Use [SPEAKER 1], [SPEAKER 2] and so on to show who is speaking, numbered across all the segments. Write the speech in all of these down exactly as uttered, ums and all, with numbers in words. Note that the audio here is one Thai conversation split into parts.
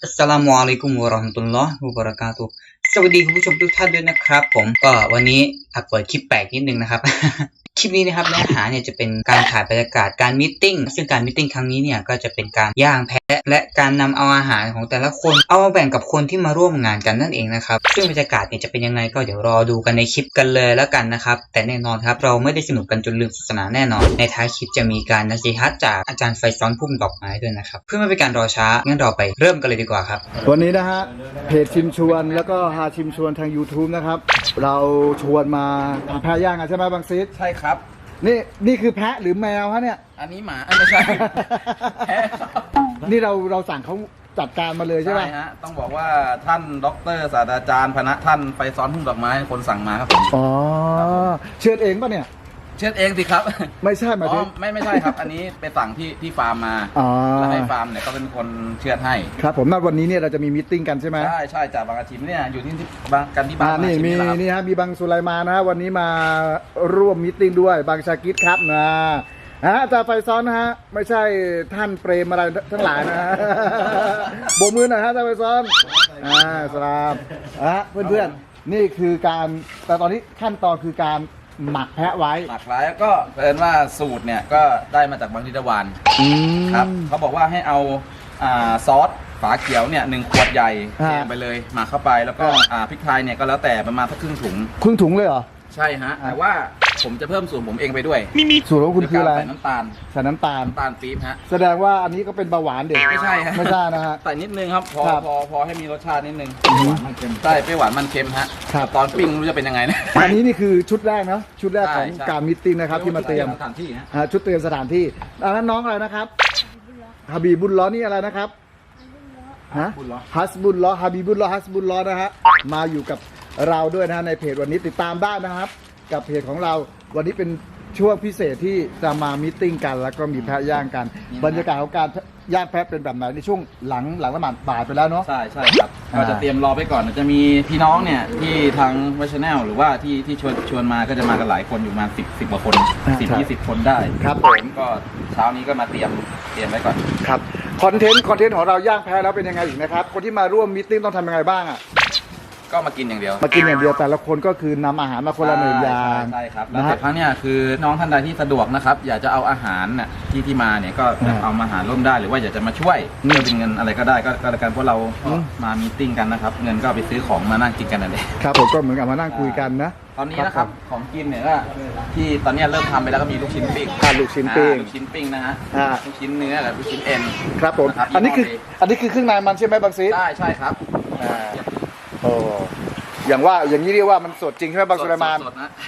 [SPEAKER 1] อัสสลามุอะลัยกุมวะเราะห์มะตุลลอฮ์วะบะเราะกาตุฮ์สวัสดีคุณผู้ชมทุกท่านด้วยนะครับผมก็วันนี้อักเปิดคลิปแปลกนิดนึงนะครับ คลิปนี้นะครับเนื้อหาเนี่ยจะเป็นการถ่ายบรรยากาศการมีตติ้งซึ่งการมีตติ้งครั้งนี้เนี่ยก็จะเป็นการย่างแพะและการนำเอาอาหารของแต่ละคนเอามาแบ่งกับคนที่มาร่วมงานกันนั่นเองนะครับซึ่งบรรยากาศเนี่ยจะเป็นยังไงก็เดี๋ยวรอดูกันในคลิปกันเลยแล้วกันนะครับแต่แน่นอนครับเราไม่ได้สนุกกันจนลืมศาสนาแน่นอนในท้ายคลิปจะมีการนัซีฮัตจากอาจารย์ไฟซ้อนพุ่มดอกไม้ด้วยนะครับเพื่อไม่เป็นการรอช้างั้นเราไปเริ่มกันเลยดีกว่าครับ
[SPEAKER 2] วันนี้นะฮะเพจชิมชวนแล้วก็หาชิมชวนทาง YouTube นะครับเราชวนมาทำแพะย่างกันใช่ไหมบางซีด
[SPEAKER 3] ใช่ครับ
[SPEAKER 2] นี่นี่คือแพะหรือแมวฮะเนี่ย
[SPEAKER 3] อันนี้หมาไม่ใช่แพะ
[SPEAKER 2] นี่เราเราสั่งเขาจัดการมาเลยใช่ไหม
[SPEAKER 3] ใช่ฮะต้องบอกว่าท่านด็อกเตอร์ศาสตราจารย์พนะท่านไฟซ้อนพุ่มดอกไม้คนสั่งมาครับผม
[SPEAKER 2] อ๋อเชือดเองป่ะเนี่ย
[SPEAKER 3] เชือดเองสิครับ
[SPEAKER 2] ไม่ใช่หมายถึง
[SPEAKER 3] ไม่ไม่ใช่ครับอันนี้ไปสั่งที่ที่ฟาร์มมาแล้วให้ฟาร์มเนี่ยก็เป็นคนเชือดให้
[SPEAKER 2] ครับผมนัดวันนี้เนี่ยเราจะมีมีตติ้งกันใช่ไหม
[SPEAKER 3] ใช่ใช่จากบางอาทิตย์เนี่ยอยู่ที่บางกันที่บ้าน
[SPEAKER 2] นี่มีนี่ฮะมีบางสุไลมานะฮะวันนี้มาร่วมมีตติ้งด้วยบางชากิดครับนะฮะอาจารย์ไฟซ้อนนะฮะไม่ใช่ท่านเปรมอะไรทั้งหลายนะฮะโบกมือหน่อยฮะอาจารย์ไฟซ้อนอ่าสลามฮะเพื่อนๆนี่คือการแต่ตอนนี้ขั้นตอนคือการหมักแพะไว้
[SPEAKER 3] หมักไว้ก็เพิ่นว่าสูตรเนี่ยก็ได้มาจากบางทิตวานครับเขาบอกว่าให้เอาอ่าซอสฝาเขียวเนี่ยหนึ่งขวดใหญ่เทไปเลยหมักเข้าไปแล้วก็อ่าพริกไทยเนี่ยก็แล้วแต่ประมาณสักครึ่งถุง
[SPEAKER 2] ครึ่งถุงเลยเหรอ
[SPEAKER 3] ใช่ฮะแต่ว่าผมจะเพิ่มสูตรผมเองไปด้วย
[SPEAKER 2] สูตรของคุณคืออะไร
[SPEAKER 3] ใส่น้ำตาล
[SPEAKER 2] ใส่น้ำตาล
[SPEAKER 3] น้ำตาลปี๊บฮะ
[SPEAKER 2] แสดงว่าอันนี้ก็เป็นเบาหวานเด็ก
[SPEAKER 3] ไม่ใช่ฮะ
[SPEAKER 2] ไม่ใช่นะฮะ
[SPEAKER 3] ใส่นิดนึงครับพอพอพอให้มีรสชาตินิดนึง
[SPEAKER 2] หวานมันเค็ม
[SPEAKER 3] ใช่เปรี้ยวหวานมันเค็มฮะตอนปิ้งรู้จะเป็นยังไงนะ
[SPEAKER 2] อันนี้นี่คือชุดแรกนะชุดแรกของการมิตติ้งนะครับที่มาเตรียม
[SPEAKER 3] สถานที่
[SPEAKER 2] ฮะชุดเตรียมสถานที่อันนั้นน้องอะไรนะครับฮาบีบุลล้อนี่อะไรนะครับฮะฮัสบุลล้อฮาบีบุลล้อฮัสบุลล้อนะฮะมาอยู่กับเราด้วยนะฮะในเพจวันนี้ติดตามได้นะครับกับเพจของเราวันนี้เป็นช่วงพิเศษที่จะมามีตติ้งกันแล้วก็มีแพะย่างกันบรรยากาศของการย่างแพะเป็นแบบไหนในช่วงหลังหลังละหมาดบ่ายไปแล้วเนาะ
[SPEAKER 3] ใช่ใช่ครับก็จะเตรียมรอไปก่อนจะมีพี่น้องเนี่ยที่ทางวัชแนลหรือว่าที่ที่ชวนชวนมาก็จะมากันหลายคนอยู่มาสิบสิบกว่าคนสิบยี่สิบคนได้
[SPEAKER 2] ครับผม
[SPEAKER 3] ก็เช้านี้ก็มาเตรียมเตรียมไว้ก่อน
[SPEAKER 2] ครับคอนเทนต์คอนเทนต์ของเราย่างแพะแล้วเป็นยังไงอีกนะครับคนที่มาร่วมมีตติ้งต้องทำยังไงบ้างอ่ะ
[SPEAKER 3] ก็มากินอย่างเดียว
[SPEAKER 2] มากินอย่างเดียวแต่ละคนก็คือนำอาหารมาคนละหนึ่งอย่าง
[SPEAKER 3] ใช่ครับแล้วแต่ครั้งเนี้ยคือน้องท่านใดที่สะดวกนะครับอยากจะเอาอาหารน่ะที่ที่มาเนี่ยก็เอามาหารร่วมได้หรือว่าอยากจะมาช่วยเพื่อเป็นเงินอะไรก็ได้ก็ก็แล้วกันเพราะเรามามีตติ้งกันนะครับเงินก็ไปซื้อของมานั่งกินกันนั่นเอง
[SPEAKER 2] ครับผมก็เหมือนกับมานั่งคุยกันนะ
[SPEAKER 3] ตอนนี้นะครับของกินเนี่ยก็ที่ตอนนี้เริ่มทำไปแล้วก็มีลูกชิ้นปิ้ง
[SPEAKER 2] ลูกชิ้นปิ้ง
[SPEAKER 3] ลูกชิ้นปิ้งนะฮะลูกชิ้นเนื้อกับลูกชิ้นเอ็น
[SPEAKER 2] ครับผมอันนี้คืออันนี้คือเครื่องในมันใช่ไหมบางซี
[SPEAKER 3] ใช่ใช่ครับ
[SPEAKER 2] โอ้อย่างว่าอย่างนี้เรียกว่ามันสดจริงใช่ไหมบางสุไลมาน
[SPEAKER 3] สดนะ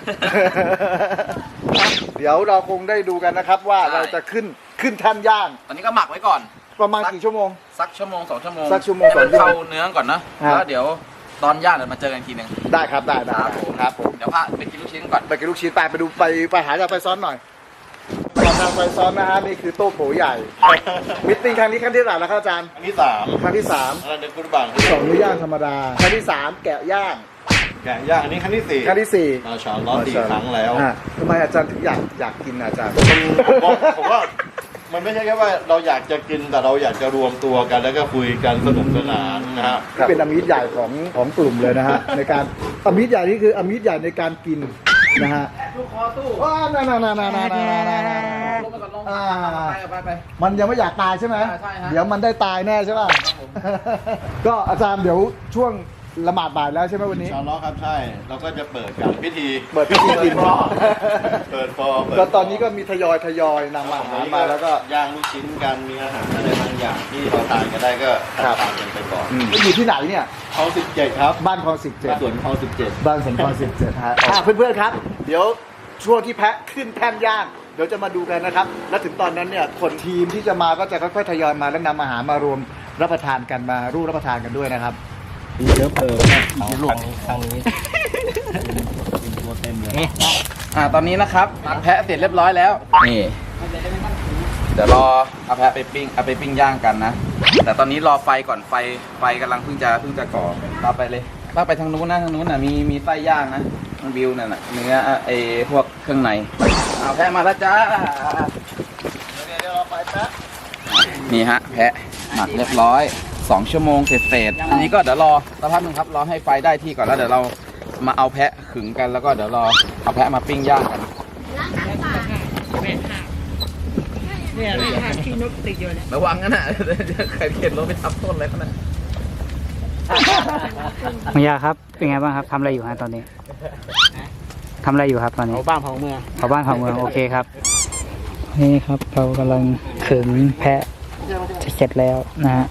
[SPEAKER 2] เดี๋ยวเราคงได้ดูกันนะครับว่าเราจะขึ้นขึ้นท่านย่าง
[SPEAKER 3] ตอนนี้ก็หมักไว้ก่อน
[SPEAKER 2] ประมาณกี่ชั่วโมง
[SPEAKER 3] สักชั่วโมงสองชั่วโมง
[SPEAKER 2] สักชั่วโมงสองชั่วโมง
[SPEAKER 3] เข้าเนื้อก่อนนะแล้วเดี๋ยวตอนย่างเดี๋ยวมาเจอกันทีนึง
[SPEAKER 2] ได้ครับได้ได้ครับผม
[SPEAKER 3] เดี๋ยวพาไปกินลูกชิ้นก่อน
[SPEAKER 2] ไปกินลูกชิ้นไปไปดูไปไปหาจากไฟซ้อนหน่อยทางไฟซ้อนนะฮะนี่คือโต๊ะโผใหญ่มิตติ้งครั้งนี้ครั้งที่เท่าไหร่แล้วครับอาจารย์
[SPEAKER 4] ครั้งที่สาม
[SPEAKER 2] ครั้งที่สาม
[SPEAKER 4] อันนี้กุฎบัง
[SPEAKER 2] สองมื้อย่างธรรมดาครั้งที่สามแกะย่าง
[SPEAKER 4] แกะย่างอันนี้ครั้งที่สี่
[SPEAKER 2] ครั้งที่สี่
[SPEAKER 4] มาชาล้อสี่ครั้งแล้ว
[SPEAKER 2] ทำไมอาจารย์ถึงอยากอยากกินอาจารย์
[SPEAKER 4] ผมว่ามันไม่ใช่แค่ว่าเราอยากจะกินแต่เราอยากจะรวมตัวกันแล้วก็คุยกันสนุกสนานนะฮะ
[SPEAKER 2] เป็นอมิตรใหญ่ของของกลุ่มเลยนะฮะในการอมิตรใหญ่นี่คืออมิตรใหญ่ในการกินนะฮะ
[SPEAKER 3] ลูกคอตู้
[SPEAKER 2] ว้าน่าน่าน่าน่าน่าน่าน่า
[SPEAKER 3] ลงไปก่อนลงไปไป
[SPEAKER 2] มันยังไม่อยากตายใช่ไหมเดี๋ยวมันได้ตายแน่ใช่ป่ะก็อาจารย์เดี๋ยวช่วงละหมาดบ่ายแล้วใช่ไหมวันนี้
[SPEAKER 4] ชาวล้อครับใช่เราก็จะเปิดกันพิธี
[SPEAKER 2] เปิดพิธีกิน
[SPEAKER 4] เปิดฟอ
[SPEAKER 2] ก็ตอนนี้ก็มีทยอยทยอยนำอาหารมาแล้วก็
[SPEAKER 4] ย่างลูกชิ้นกันมีอาหารอะไรบางอย่างที่เราทานกันได้ก็ทานกันไปก่อน
[SPEAKER 2] อยู่ที่ไหนเนี่ย
[SPEAKER 4] คลองสิบเจ็ดครับ
[SPEAKER 2] บ้านคลองสิบเจ็ด
[SPEAKER 4] สวนคลองสิบเจ็ด
[SPEAKER 2] บ้านสวนคลองสิบเจ็ดฮะเพื่อนๆครับเดี๋ยวช่วงที่แพะขึ้นแท่นย่างเดี๋ยวจะมาดูกันนะครับแล้วถึงตอนนั้นเนี่ยคนทีมที่จะมาก็จะค่อยๆทยอยมาแล้วนำอาหารมารวมรับประทานกันมาร่วมรับประทานกันด้วยนะครับ
[SPEAKER 4] มีเยอะเพิ่ม
[SPEAKER 3] มีหลวงทางนี้ตัวเต็มเลยอ่าตอนนี้นะครับแพะเสร็จเรียบร้อยแล้วนี่เดี๋ยวรอเอาแพะไปปิ้งเอาไปปิ้งย่างกันนะแต่ตอนนี้รอไฟก่อนไฟไฟกำลังเพิ่งจะเพิ่งจะก่อต่อไปเลยถ้าไปทางนู้นนะทางนู้นน่ะมีมีไส้ย่างนะทางวิวนั่นน่ะเนื้อไอ้พวกเครื่องในเอาแพะมาแล้วจ้าเดี๋ยวเราไปแพะนี่ฮะแพะหมักเรียบร้อยสองชั่วโมงเสร็จๆอันนี้ก็เดี๋ยวรอสักพักหนึงครับรอให้ไฟได้ที่ก่อนแล้วเดี๋ยวเรามาเอาแพะขึงกันแล้วก็เดี๋ยวรอเอาแพะมาปิ้งย่างกันเนี่ยที่นกติดอยู่เนี่ยระวังนะน่ะใครเข็นรถไปทับต้นอะไรเขาน่ะ
[SPEAKER 5] มังยาครับเป็นไงบ้างครับทำอะไรอยู่ฮะตอนนี้ทำอะไรอยู่ครับตอนนี้
[SPEAKER 6] เอาบ้านของเมือง
[SPEAKER 5] เผาบ้านเผาเมืองโอเคครับนี่ครับเรากำลังขึงแพะจะเสร็จแล้วนะฮะ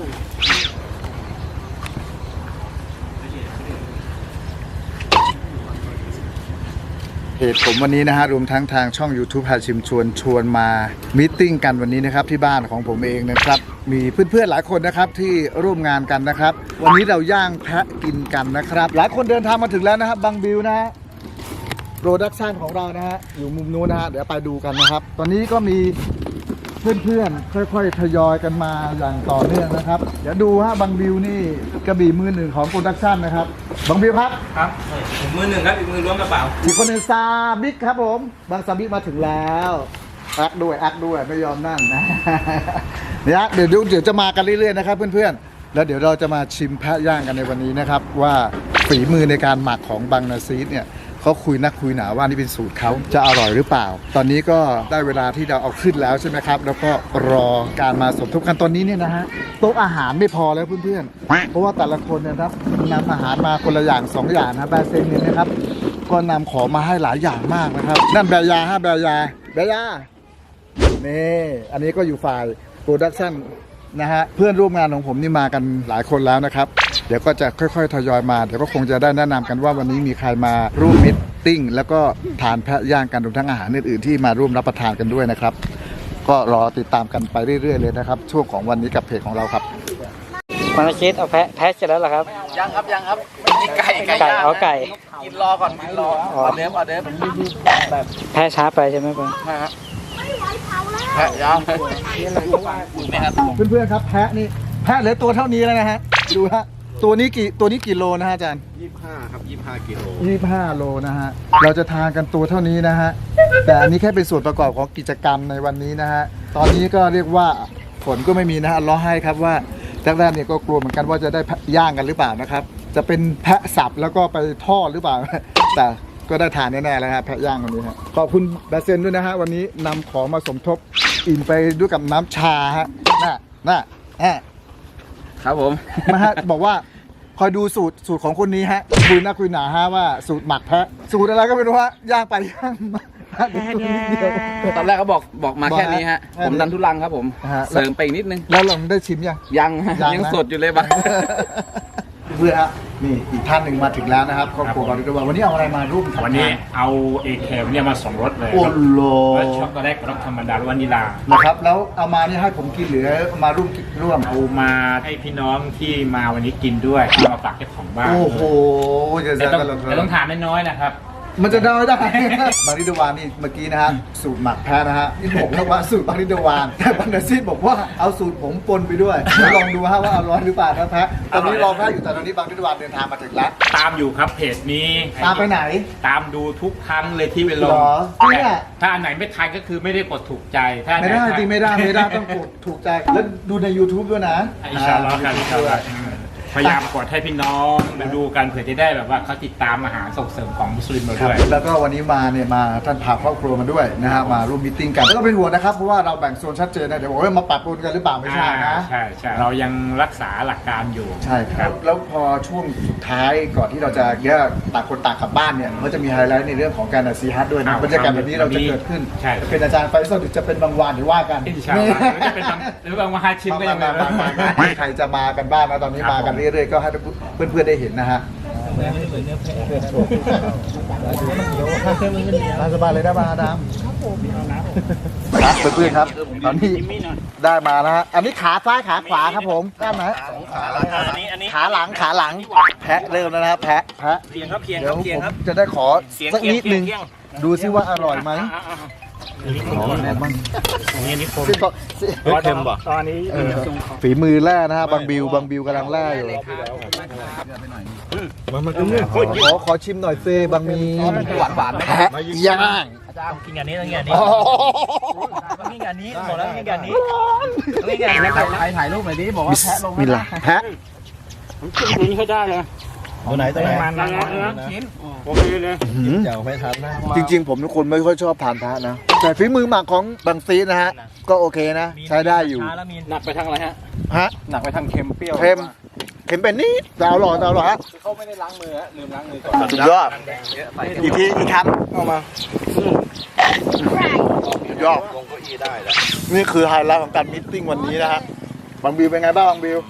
[SPEAKER 2] เพจผมวันนี้นะฮะรวมทั้งทางช่อง YouTube พาชิมชวนชวนมามีตติ้งกันวันนี้นะครับที่บ้านของผมเองนะครับมีเพื่อนๆหลายคนนะครับที่ร่วมงานกันนะครับวันนี้เราย่างแพะกินกันนะครับหลายคนเดินทางมาถึงแล้วนะครับบางบิวนะฮะโปรดักชันของเรานะฮะอยู่มุมนู้นนะฮะเดี๋ยวไปดูกันนะครับตอนนี้ก็มีเพื่อนๆค่อยๆทยอยกันมาอย่างต่อเนื่องนะครับเดี๋ยวดูฮะบางบิวนี่กระบี่มือหนึ่งของโปรดักชันนะครับบางบิวครับ
[SPEAKER 6] ครับมือหนึ่งครับอีกมือล้วงกระเป๋า
[SPEAKER 2] อีกคนหนึ่งซาบิ๊กครับผมบางซาบิ๊กมาถึงแล้วแอคด้วยแอคด้วยไม่ยอมนั่งนะ เนี่ยเดี๋ยวเดี๋ยวจะมากันเรื่อยๆนะครับเพื่อนๆแล้วเดี๋ยวเราจะมาชิมแพะย่างกันในวันนี้นะครับว่าฝีมือในการหมักของบางนาซีดเนี่ยเขาคุยนักคุยหนาว่านี่เป็นสูตรเขาจะอร่อยหรือเปล่า ตอนนี้ก็ได้เวลาที่เราเอาขึ้นแล้วใช่ไหมครับแล้วก็รอการมาสมทบกันตอนนี้เนี่ยนะฮะโต๊ะอาหารไม่พอแล้วเพื่อนๆเพราะว่าแต่ละคนเนยครับนำอาหารมาคนละอย่างสองอย่างนะแบร์เซนเนี่ยนะครับก็นำของมาให้หลายอย่างมากนะครับนั่นแบร์ยาฮะแบร์ยาแบร์ยานี่อันนี้ก็อยู่ฝ่ายโปรดักชั่นนะฮะเพื่อนร่วมงานของผมนี่มากันหลายคนแล้วนะครับเดี๋ยวก็จะค่อยๆทยอยมาเดี๋ยวก็คงจะได้แนะนำกันว่าวันนี้มีใครมาร่วมมิตติ้งแล้วก็ทานแพะย่างกันรวมทั้งอาหารอื่นๆที่มาร่วมรับประทานกันด้วยนะครับก็รอติดตามกันไปเรื่อยๆเลยนะครับช่วงของวันนี้กับเพจของเราครับ
[SPEAKER 5] มันชิดเอาแพะแพะเสร็จแล้วเหรอครับ
[SPEAKER 3] ยังครับยังครับนี่ไก่ไก่
[SPEAKER 5] ไก่
[SPEAKER 3] ย่าง
[SPEAKER 5] เอาไก่
[SPEAKER 3] กินรอก่อนกินรอออเดิร์ฟออเดิร์ฟ
[SPEAKER 5] แพะช้าไปใช่ไหมครับ
[SPEAKER 3] นะฮะแพะย่างไหมครับ
[SPEAKER 2] เพื่อนๆครับแพะนี่แพะเหลือตัวเท่านี้แล้วนะฮะดูฮะตัวนี้กี่ตัวนี้กี่โลนะฮะอาจารย์
[SPEAKER 4] ยี่สิบห้าครับยี่สิบห้ากิโล
[SPEAKER 2] ยี่สิบห้าโลนะฮะเราจะทานกันตัวเท่านี้นะฮะแต่อันนี้แค่เป็นส่วนประกอบของกิจกรรมในวันนี้นะฮะตอนนี้ก็เรียกว่าฝนก็ไม่มีนะฮะรอให้ครับว่าแรกๆเนี่ยก็กลัวเหมือนกันว่าจะได้ย่างกันหรือเปล่านะครับจะเป็นแพะสับแล้วก็ไปทอดหรือเปล่า แต่ก็ได้ทานแน่ๆแล้วฮะแพะย่างวันนี้ฮะขอบคุณแบเซนด้วยนะฮะวันนี้นำของมาสมทบอิ่มไปด้วยกับน้ำชาฮะน่ะน่ะน่ะ
[SPEAKER 3] ครับผม
[SPEAKER 2] มาฮะบอกว่าคอยดูสูตรสูตรของคนนี้ฮะคุยหน้าคุยหนาฮะว่าสูตรหมักแพะสูตรอะไรก็ไม่รู้ฮะย่างไปย่างมาเดียว
[SPEAKER 3] ตอนแรกเขาบอกบอกมาแค่นี้ฮะ
[SPEAKER 2] แค่นี้
[SPEAKER 3] ผมดันทุลังครับผม
[SPEAKER 2] ฮะ
[SPEAKER 3] เสริมไปอีกนิดนึง
[SPEAKER 2] แล้วเราได้ชิมยัง
[SPEAKER 3] ยังฮะ
[SPEAKER 2] ยังนะ
[SPEAKER 3] ยังสดอยู่เลยบ้าง
[SPEAKER 2] เพื่อนฮะนี่อีกท่านหนึ่งมาถึงแล้วนะครับครอบครัวเราด้วยวันนี้เอาอะไรมาร่วมทำ
[SPEAKER 6] วันนี้เอาเอเคเนี่ยมาสองรสเลย
[SPEAKER 2] โอ้โห
[SPEAKER 6] รสช็อกโกแลตกับรสธรรมดารสวานิลา
[SPEAKER 2] นะครับแล้วเอามานี่ให้ผมกินหรือเอามาร่วมกินร่วม
[SPEAKER 6] เอามาให้พี่น้องที่มาวันนี้กินด้วยเอามาฝากเจ้าของบ้าน
[SPEAKER 2] โอ้โหจะ
[SPEAKER 6] แต่
[SPEAKER 2] จะ
[SPEAKER 6] ต้อง
[SPEAKER 2] จะ
[SPEAKER 6] แต่ต้องทานน้อยๆนะครับ
[SPEAKER 2] มันจะได้ได้ บาริดวานนี่เมื่อกี้นะฮะสูตรหมักแพ้นะฮะนี่บอกแล้วว่าสูตรบาริดวานแต่บันดาซีดบอกว่าเอาสูตรผมปนไปด้วยลองดูฮะว่าอร่อยหรือเปล่านะแพ้ตอนนี้รอแพ้อยู่แต่ตอนนี้บางริดวานเดินทางมาถึงแล้ว
[SPEAKER 6] ตามอยู่ครับเพจนี้
[SPEAKER 2] ตามไปไหน
[SPEAKER 6] ตามดูทุกครั้งเลยที่ไปล
[SPEAKER 2] ห
[SPEAKER 6] ง
[SPEAKER 2] รอจริงอะ
[SPEAKER 6] ถ้าอันไหนไม่ทันก็คือไม่ได้กดถูกใจถ้าอันหน
[SPEAKER 2] ไม่ได้
[SPEAKER 6] ทัน
[SPEAKER 2] จริงไม่ได้ไม่ได้ต้องกดถูกใจแล้วดูใน YouTube ด้วยนะ
[SPEAKER 6] อินชาอัลลอฮ์ครับอินชาอัลลอฮ์พยายามกดให้พี่น้องมาดูกันเผื่อจะได้แบบว่าเขาติดตามอาหารส่งเสริมของมุสลิมเรา
[SPEAKER 2] ครับ
[SPEAKER 6] ด้วย
[SPEAKER 2] แล้วก็วันนี้มาเนี่ยมาท่านพาครอบครัวมาด้วยนะฮะมาร่วมมีตติ้งกันแล้วก็เป็นห่วงนะครับเพราะว่าเราแบ่งโซนชัดเจนนะเดี๋ยวบอกว่ามาปรับปรุงกันหรือเปล่าไม่ใช่นะ
[SPEAKER 6] ใช่ใช่เรายังรักษาหลักการอยู่
[SPEAKER 2] ใช่ครับแล้วพอช่วงสุดท้ายก่อนที่เราจะแยกต่างคนต่างกลับบ้านเนี่ยก็จะมีไฮไลท์ในเรื่องของการนัดซีฮัทด้วยนะ
[SPEAKER 6] อ้าว
[SPEAKER 2] บรรยากาศแบบนี้เราจะเกิดขึ้น
[SPEAKER 6] ใช่
[SPEAKER 2] จะเป็นอาจารย์ไฟสดหรือจะเป็นบางวันหรือว่ากัน
[SPEAKER 6] อินชาอัลลอฮ์หรือจะเป็นบางหรือบางมหาชิมก็ยังไม่
[SPEAKER 2] มามามามาใครจะมากันบ้างนะตอนนี้มากันเรื่อยๆก็ให้เพื่อนๆได้เห็นนะฮะสบายเลยได้มาดามครับเพื่อนๆครับตอนนี้ได้มานะฮะอันนี้ขาซ้ายขาขวาครับผมได้ไหมขาหลังขาหลังแพะเริ่มแล้วนะครับแพะแพะ
[SPEAKER 6] เคียงครับเคียง
[SPEAKER 2] เดี๋
[SPEAKER 6] ค
[SPEAKER 2] ย
[SPEAKER 6] รั
[SPEAKER 2] ว
[SPEAKER 6] บเคียง
[SPEAKER 2] ผม
[SPEAKER 6] ครับ
[SPEAKER 2] จะได้ขอ
[SPEAKER 6] เสียง
[SPEAKER 2] สัก
[SPEAKER 6] เคียง
[SPEAKER 2] นิดนึง
[SPEAKER 6] เคียง
[SPEAKER 2] ดูซิว่าอร่อยไหมหอมหอมมั้ง
[SPEAKER 6] นี่นี่ผม
[SPEAKER 2] ซิก็ซิ
[SPEAKER 6] เค็มป่ะตอนนี้
[SPEAKER 2] เออฝีมือแร่นะฮะบางบิวบางบิวกำลังแร่อยู่ขอขอชิมหน่อยเซบางมี
[SPEAKER 3] หวานหวาน
[SPEAKER 2] แพะย่าง
[SPEAKER 7] กินงานนี้ต้องกินงานนี้ต้องกินงานนี้บอกแล้วต้องกินงานนี้ต้องกินงานนี้
[SPEAKER 3] ใครถ่ายรูปหน่อยดิบอกว่าแพะลง
[SPEAKER 2] มีละแพะ
[SPEAKER 6] ผมขึ้นตัวนี้ให้ได้เลย
[SPEAKER 3] ตัวไหนตัวไหน
[SPEAKER 6] มันนะชิ้นโอเคเลย
[SPEAKER 3] เดี๋ยวไม่ทันนะ
[SPEAKER 2] จริงๆ ผมเป็นคนไม่ค่อยชอบทานแพะนะ แต่ฝีมือหมักของบางซีนะฮะ ก็โอเคนะ ใช้ได้อยู่
[SPEAKER 6] หนักไปทางอะไรฮะ
[SPEAKER 2] ฮะ
[SPEAKER 3] หนักไปทางเค็มเปรี้ยว
[SPEAKER 2] เค็มเค็มเป็นนิดแต่อร่อยแต่อร่อยฮะ
[SPEAKER 3] เขาไม่ได้ล้างมือฮะลืมล้างมือก่อน
[SPEAKER 2] สุดยอดอีกทีอีกคำเข้ามาสุดยอด
[SPEAKER 3] ลงเก้าอี้ได้แล้ว
[SPEAKER 2] นี่คือไฮไลท์ของการมิทติ้งวันนี้นะฮะบางบิวเป็นไงบ้างบางบิว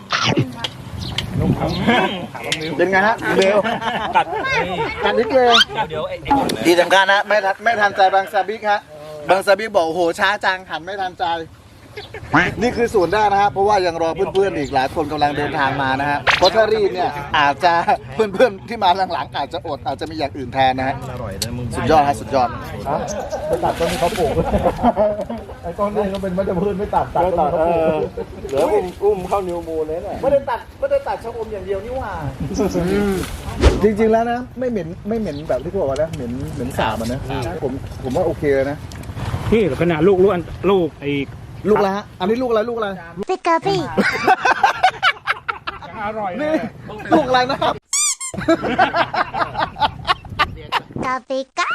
[SPEAKER 2] เป็นไงฮะเบล
[SPEAKER 6] กัด
[SPEAKER 2] กันนิดเลย
[SPEAKER 7] เดี๋ยวไอ้
[SPEAKER 2] ที่สำคัญนะไม่ทันไม่ทันใจบางซาบิกฮะบางซาบิกบอกโอ้โหช้าจังหันไม่ทันใจ นี่คือส่วนได้นะฮะเพราะว่ายังรอเพื่อนๆอีกหลายคนกำลังเดินทางมานะฮะเพราะถ้ารีบเนี่ยอาจจะเพื่อนๆที่มาหลังๆอาจจะอดอาจจะมีอย่างอื่นแทนนะฮะ
[SPEAKER 3] อร่อยนะมึง
[SPEAKER 2] สุดยอดฮะสุดยอดไปตัดต้นนี้เขาปลูกไอ้ต้นนี้เขาเป็นมัจพืชไม่ตัดตัดต้นเขาปลูก
[SPEAKER 3] เดี๋ยวอุ้มอุ้มเข้านิวมูลเลยน่ะ
[SPEAKER 2] ไม่ได้ตัดไม่ได้ตัดชะอมอย่างเดียวนี่หว่าจริงๆแล้วนะไม่เหม็นไม่เหม็นแบบที่เขาบอกว่านะเหม็นเหม็นสาบอ่ะนะผมผมว่าโอเคเลยนะ
[SPEAKER 6] พี่ขนาดลูกลูกอันลูกไอ้
[SPEAKER 2] ลูกอะไรฮะอันนี้ลูกอะไรลูกอะไร
[SPEAKER 8] ปิกาปี้
[SPEAKER 6] อร่อย
[SPEAKER 2] นี่ลูกอะไรนะครับ
[SPEAKER 8] กาปิกา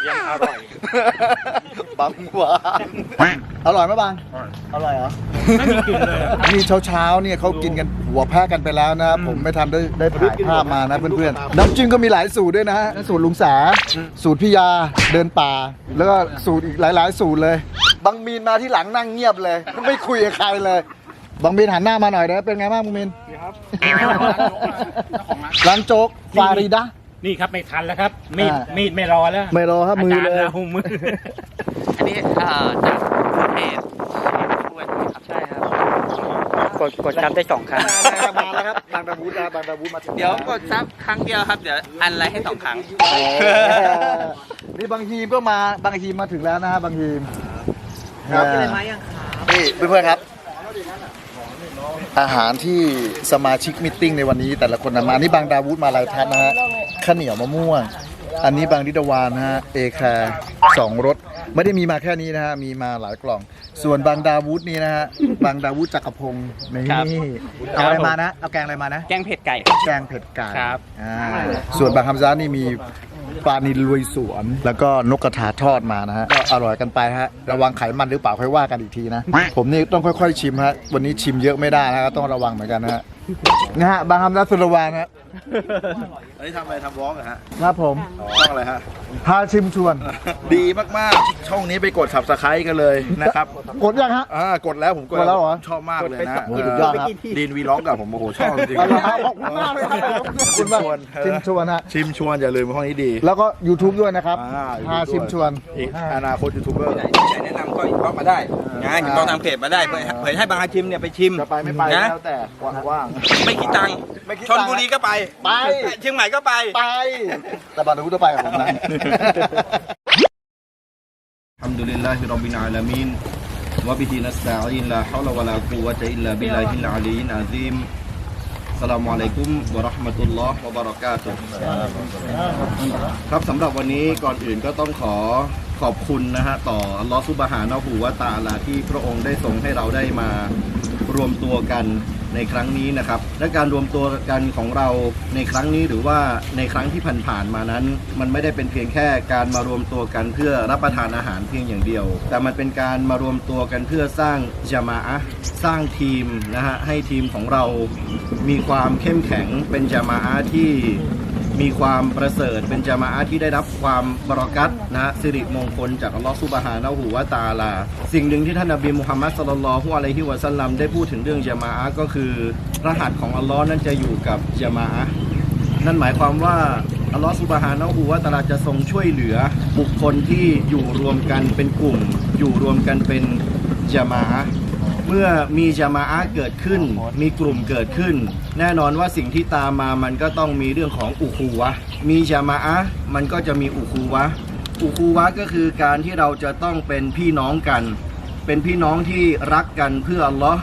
[SPEAKER 2] บางหวานอร่อยไหมบางอร่อยเหรอ
[SPEAKER 6] ไม่มีกลิ่นเลย
[SPEAKER 2] นี่เช้าๆเนี่ยเขากินกันหัวแพะกันไปแล้วนะผมไม่ทันได้ได้ถ่ายภาพมานะเพื่อนๆน้ำจิ้มก็มีหลายสูตรด้วยนะฮะสูตรลุงสาสูตรพี่ยาเดินป่า แล้วก็สูตรอีกหลายๆสูตรเลยบางมีนมาที่หลังนั่งเงียบเลยไม่คุยกับใครเลยบางมีนหันหน้ามาหน่อยนะเป็นไงบ้างบางมีนร้านโจ๊กฟาริดะ
[SPEAKER 6] นี่ครับไม่ทันแล้วครับ มีด
[SPEAKER 2] อ่า
[SPEAKER 6] มีดไม่รอแล้ว
[SPEAKER 2] ไม่รอครับมือเลย
[SPEAKER 6] าจารรามือ
[SPEAKER 5] อันนี้เอ่อจากเพจครับใช่ครับกดกดซับได้สองครั้ง
[SPEAKER 2] มาแล้วครับบางตะบูดนะบางตะบูดมาถึง
[SPEAKER 5] เดี๋ยวกดซับครั้งเดียวครับ เดี๋ยวอันไลค์ให้สองครั้ง
[SPEAKER 2] นี่บางทีมก็มาบางทีมมาถึงแล้วนะฮะบางทีม
[SPEAKER 5] ครับกินอะไรมายังครับ
[SPEAKER 2] นี่เพื่อนๆครับ อาหารที่สมาชิกมิทติ้งในวันนี้แต่ละคนนำมาอันนี้บางดาวุฒมาลายทัศน์นะฮะข้าวเหนียวมะม่วง อันนี้บางดิดาวานนะฮะเอแคร์สองรสไม่ได้มีมาแค่นี้นะฮะมีมาหลายกล่อง ส่วนบางดาวุฒนี่นะฮะบางดาวุฒจักรพงศ์นี่เอาอะไรมานะเอาแกงอะไรมานะ
[SPEAKER 5] แกงเผ็ดไก่
[SPEAKER 2] แกงเผ็ดไก่
[SPEAKER 5] ครับ
[SPEAKER 2] อ่าส่วนบางคำซ้านี่มีปลานิลลุยสวน แล้วก็นกกระทาทอดมานะฮะ ก็อร่อยกันไปฮะ ระวังไขมันหรือเปล่าค่อยว่ากันอีกทีนะ ผมนี่ต้องค่อยๆชิมฮะ วันนี้ชิมเยอะไม่ได้นะฮะต้องระวังเหมือนกันนะฮะ นะฮะ บางคำซ้าสุรวานฮะ
[SPEAKER 3] อันนี้ทำอะไรทำวอล์กเหรอฮะ
[SPEAKER 2] ครับผม
[SPEAKER 3] ช่องอะไรฮะ
[SPEAKER 2] พาชิมชวน
[SPEAKER 3] ดีมากๆ ช่องนี้ไปกด subscribe กันเลยนะครับ
[SPEAKER 2] กดยังฮะ
[SPEAKER 3] อ่ากดแล้วผมกด
[SPEAKER 2] กดแล้วเหรอ
[SPEAKER 3] ชอบมากเลยนะ
[SPEAKER 2] โอ้สุดยอดครับ
[SPEAKER 3] ดีนวีล็อกกับผมโอ้โหชอบจริง
[SPEAKER 2] เอาละครับขอบคุณมากเลยครับผมขอบคุณมากชิมชวนฮะ
[SPEAKER 3] ชิมชวนอย่าลืมห้องนี้ดี
[SPEAKER 2] แล้วก็ YouTube ด้วยนะครับ
[SPEAKER 3] อ่า
[SPEAKER 2] พาชิมชวน
[SPEAKER 3] อีกอนาคตยูทูบเบอร์
[SPEAKER 7] แนะนำก็อินบ็อกซ์มาได้นะอินบ็อกซ์ทางเพจมาได้เผยเผยให้บางอาชิมเนี่ยไปชิม
[SPEAKER 2] จะไปไม่ไป
[SPEAKER 7] นะ
[SPEAKER 2] แล้วแต่ว่าง
[SPEAKER 7] ไม่คิดตังค์
[SPEAKER 2] ไม่คิด
[SPEAKER 7] ช
[SPEAKER 2] ตั
[SPEAKER 7] น
[SPEAKER 2] งค์
[SPEAKER 7] บุรีก็ไป
[SPEAKER 2] ไป
[SPEAKER 7] เชียงใหม่ก็ไป
[SPEAKER 2] ๆไป แต่บางทีก็ไปกับผมนะ
[SPEAKER 3] الحمد لله رب العالمين وبه نستعين لا حول ولا قوة إلا بالله العلي العظيم السلام عليكم ورحمة الله وبركاته ครับสำหรับวันนี้ก่อนอื่นก็ต้องขอขอบคุณนะฮะต่ออัลลอฮฺซุบฮานะฮูวะตะอาลาที่พระองค์ได้ทรงให้เราได้มารวมตัวกันในครั้งนี้นะครับ และการรวมตัวกันของเราในครั้งนี้หรือว่าในครั้งที่ผ่านๆมานั้น มันไม่ได้เป็นเพียงแค่การมารวมตัวกันเพื่อรับประทานอาหารเพียงอย่างเดียว แต่มันเป็นการมารวมตัวกันเพื่อสร้างญะมาอะห์สร้างทีมนะฮะให้ทีมของเรามีความเข้มแข็งเป็นญะมาอะห์ที่มีความประเสริฐเป็นญะมาอะห์ที่ได้รับความบารอกัตนะฮะสิริมงคลจากอัลลอฮฺซุบฮานะฮูวะตะอาลาสิ่งหนึ่งที่ท่านนบีมุฮัมมัดศ็อลลัลลอฮุอะลัยฮิวะซัลลัมได้พูดถึงเรื่องญะมาอะห์ก็คือรหัสของอัลลอฮ์นั้นจะอยู่กับญะมาอะห์นั่นหมายความว่าอัลลอฮฺซุบฮานะฮูวะตะอาลาจะทรงช่วยเหลือบุคคลที่อยู่รวมกันเป็นกลุ่มอยู่รวมกันเป็นญะมาอะห์เมื่อมีญะมาอะห์เกิดขึ้นมีกลุ่มเกิดขึ้นแน่นอนว่าสิ่งที่ตามมามันก็ต้องมีเรื่องของอุคูวะห์มีญะมาอะห์มันก็จะมีอุคูวะห์อุคูวะห์ก็คือการที่เราจะต้องเป็นพี่น้องกันเป็นพี่น้องที่รักกันเพื่ออัลลอฮ์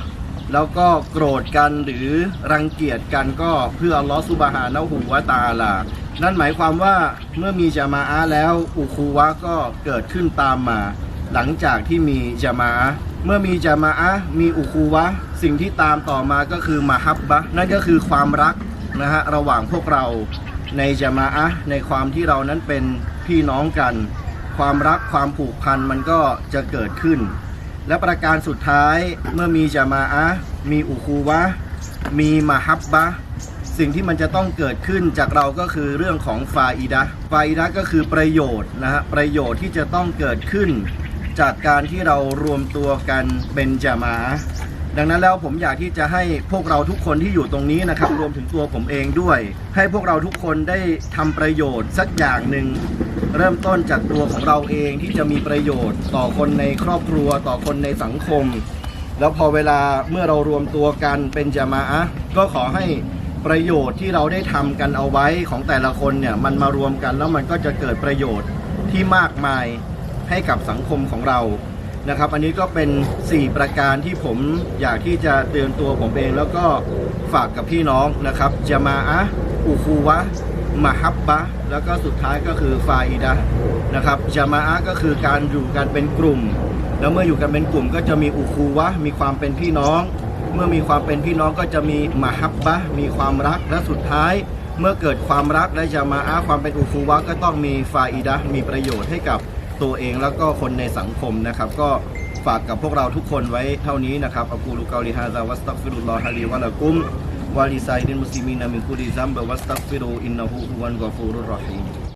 [SPEAKER 2] แล้วก็โกรธกันหรือรังเกียจกันก็เพื่ออัลลอฮฺซุบฮานะฮูวะตะอาลานั่นหมายความว่าเมื่อมีญะมาอะห์แล้วอุคูวะห์ก็เกิดขึ้นตามมา หลังจากที่มีญะมาอะห์เมื่อมีญะมาอะห์มีอุคูวะห์สิ่งที่ตามต่อมาก็คือมะฮับบะห์นั่นก็คือความรักนะฮะระหว่างพวกเราในญะมาอะห์ในความที่เรานั้นเป็นพี่น้องกันความรักความผูกพันมันก็จะเกิดขึ้นและประการสุดท้ายเมื่อมีญะมาอะห์มีอุคูวะห์มีมะฮับบะห์สิ่งที่มันจะต้องเกิดขึ้นจากเราก็คือเรื่องของฟาอิดะห์ฟาอิดะห์ก็คือประโยชน์นะฮะประโยชน์ที่จะต้องเกิดขึ้นจากการที่เรารวมตัวกันเป็นญะมาอะห์ดังนั้นแล้วผมอยากที่จะให้พวกเราทุกคนที่อยู่ตรงนี้นะครับรวมถึงตัวผมเองด้วย ให้พวกเราทุกคนได้ทำประโยชน์สักอย่างหนึ่งเริ่มต้นจากตัวของเราเองที่จะมีประโยชน์ต่อคนในครอบครัวต่อคนในสังคมแล้วพอเวลาเมื่อเรารวมตัวกันเป็นญะมาอะห์ก็ขอให้ประโยชน์ที่เราได้ทำกันเอาไว้ของแต่ละคนเนี่ยมันมารวมกันแล้วมันก็จะเกิดประโยชน์ที่มากมายให้กับสังคมของเรานะครับอันนี้ก็เป็นสี่ประการที่ผมอยากที่จะเตือนตัวผมเองแล้วก็ฝากกับพี่น้องนะครับญะมาอะห์อุคูวะห์มะฮับบะห์แล้วก็สุดท้ายก็คือฟาอิดะห์นะครับญะมาอะห์ก็คือการอยู่กันเป็นกลุ่มแล้วเมื่ออยู่กันเป็นกลุ่มก็จะมีอุคูวะห์มีความเป็นพี่น้องเมื่อมีความเป็นพี่น้องก็จะมีมะฮับบะห์มีความรักและสุดท้ายเมื่อเกิดความรักและญะมาอะห์ความเป็นอุคูวะห์ก็ต้องมีฟาอิดะห์มีประโยชน์ให้กับตัวเองแล้วก็คนในสังคมนะครับก็ฝากกับพวกเราทุกคนไว้เท่านี้นะครับอักูลุกอลิฮาซาวัสตัฆฟิรุลลอฮะลีวะละกุมวะลิซาอิริลมุสลิมีนมินกุลิซัมบะวัสตัฆฟิรูอินนะฮูฮุวัลกอฟูรุรเราะฮีม